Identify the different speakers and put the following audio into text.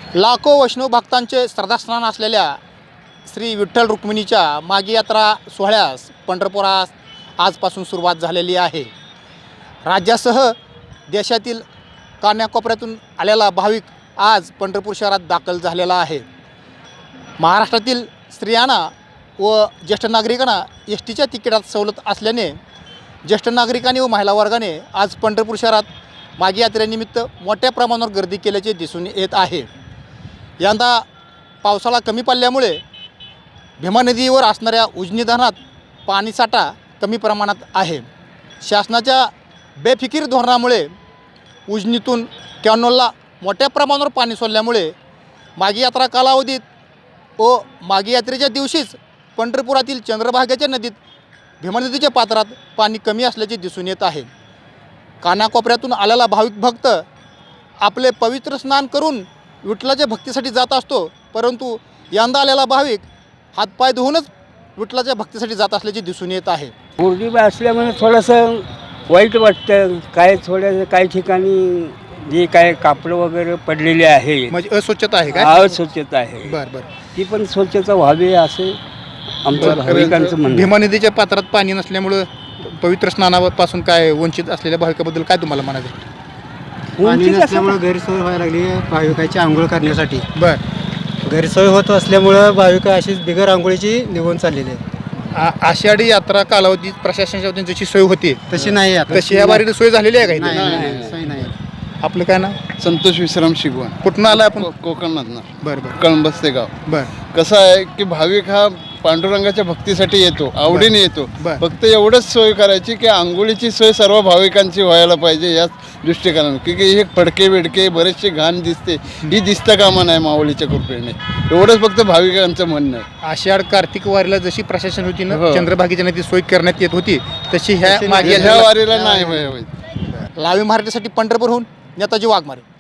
Speaker 1: लाखो वैष्णव भक्तांचे श्रद्धास्थान असलेल्या श्री विठ्ठल रुक्मिणीच्या मागी यात्रा सोहळ्यास पंढरपुरात आजपासून सुरुवात झालेली आहे. राज्यासह देशातील कानाकोपऱ्यातून आलेला भाविक आज पंढरपूर शहरात दाखल झालेला आहे. महाराष्ट्रातील स्त्रियांना व ज्येष्ठ नागरिकांना एस टीच्या तिकिटात सवलत असल्याने ज्येष्ठ नागरिकांनी व महिला वर्गाने आज पंढरपूर शहरात मागी यात्रेनिमित्त मोठ्या प्रमाणावर गर्दी केल्याचे दिसून येत आहे. यंदा पावसाळा कमी पडल्यामुळे भीमा नदीवर असणाऱ्या उजनी धरणात पाणीसाठा कमी प्रमाणात आहे. शासनाच्या बेफिकीर धोरणामुळे उजनीतून कॅनोलला मोठ्या प्रमाणावर पाणी सोडल्यामुळे मागी यात्रा कालावधीत व मागी यात्रेच्या दिवशीच पंढरपुरातील चंद्रभागेच्या नदीत भीमा नदीच्या पात्रात पाणी कमी असल्याचे दिसून येत आहे. कानाकोपऱ्यातून आलेला भाविक भक्त आपले पवित्र स्नान करून विठ्ठलाच्या भक्तीसाठी जात असतो, परंतु यंदा आलेला भाविक हातपाय धुवूनच विठ्ठलाच्या भक्तीसाठी जात असल्याचे दिसून येत आहे.
Speaker 2: मुरली असल्यामुळे थोडंसं वाईट वाटतं. काही ठिकाणी जे काय कापडं वगैरे पडलेले आहे,
Speaker 1: म्हणजे अस्वच्छता आहे काय?
Speaker 2: अस्वच्छता आहे.
Speaker 1: बरं बरं.
Speaker 2: ती पण स्वच्छता व्हावी असे आमचं भाविकांचं म्हणणं.
Speaker 1: भीमा नदीच्या पात्रात पाणी नसल्यामुळं पवित्र स्नानापासून काय वंचित असलेल्या भाविकाबद्दल काय तुम्हाला म्हणायचं?
Speaker 3: पाणी नसल्यामुळे गैरसोय व्हायला लागली भाविकाची आंघोळ करण्यासाठी.
Speaker 1: बरं.
Speaker 3: गैरसोय होत असल्यामुळं भाविक अशीच बिगर आंघोळीची निघून चाललेली आहे.
Speaker 1: आषाढी यात्रा कालावधीत प्रशासनाच्या वतीने जशी सोय होती
Speaker 3: तशी नाही आता.
Speaker 1: तशी या बारीने सोय झालेली आहे का?
Speaker 3: नाही, सोय नाही.
Speaker 1: आपलं काय ना?
Speaker 4: संतोष विश्राम शिगवण.
Speaker 1: कुठून आला आपण?
Speaker 4: कोकणातनं.
Speaker 1: बरं बरं
Speaker 4: कळंबस्ते गाव.
Speaker 1: बरं.
Speaker 4: कसं आहे की भाविक हा पांडुरंगाच्या भक्तीसाठी येतो, आवडीने येतो.
Speaker 1: बरं.
Speaker 4: फक्त एवढंच सोय करायची की आंघोळीची सोय सर्व भाविकांची व्हायला पाहिजे याच दृष्टिकोनानं. की हे फडके बिडके बरेचसे घाण दिसते, ही दिसता कामा नाही माऊलीच्या कृपेने. एवढंच फक्त भाविकांचं म्हणणं आहे.
Speaker 1: आषाढ कार्तिक वारीला जशी प्रशासन होती ना,
Speaker 4: हो.
Speaker 1: चंद्रभागेच्या नदी सोय करण्यात येत होती, तशी ह्या
Speaker 4: ह्या वारीला नाही व्हावी.
Speaker 1: लाईव्ह मराठीसाठी पंढरपूरहून नेताजी वाघमारे.